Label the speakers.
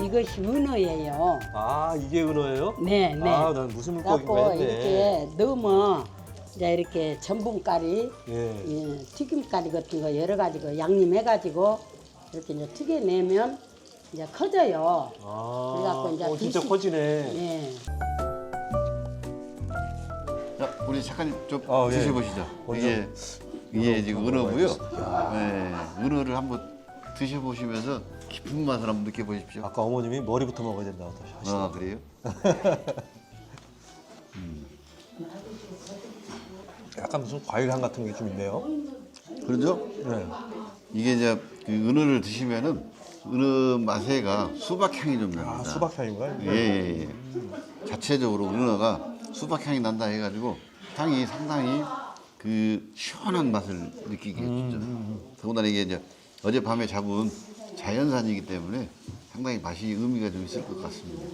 Speaker 1: 이것이 은어예요.
Speaker 2: 아, 이게 은어예요?
Speaker 1: 네, 네.
Speaker 2: 아, 난 무슨 물고기인가
Speaker 1: 갖고
Speaker 2: 했네.
Speaker 1: 이렇게 넣으면 이제 이렇게 전분가리,
Speaker 2: 예.
Speaker 1: 튀김가리 같은 거 여러 가지 거 양념해가지고 이렇게 이제 튀겨내면 이제 커져요.
Speaker 2: 아,
Speaker 1: 그래갖고 이제
Speaker 2: 진짜
Speaker 1: 드시-
Speaker 2: 커지네.
Speaker 1: 예.
Speaker 3: 자, 우리 작가님 좀
Speaker 2: 아, 예.
Speaker 3: 드셔보시죠.
Speaker 2: 먼저
Speaker 3: 이게 지금 은어고요.
Speaker 2: 먹어봐야겠습니다.
Speaker 3: 네, 은어를 한번 드셔보시면서 깊은 맛을 한번 느껴보십시오.
Speaker 2: 아까 어머님이 머리부터 먹어야 된다고 하시더라고요.
Speaker 3: 아, 그래요?
Speaker 2: 약간 무슨 과일 향 같은 게 좀 있네요.
Speaker 3: 그러죠?
Speaker 2: 네.
Speaker 3: 이게 이제 그 은어를 드시면은 은어 맛에가 수박 향이 좀 납니다.
Speaker 2: 아, 수박 향인가요?
Speaker 3: 예. 자체적으로 은어가 수박 향이 난다 해가지고 향이 상당히 그 시원한 맛을 느끼게 해주죠. 더군다나 이게 이제 어젯밤에 잡은 자연산이기 때문에 상당히 맛이 의미가 좀 있을 것 같습니다.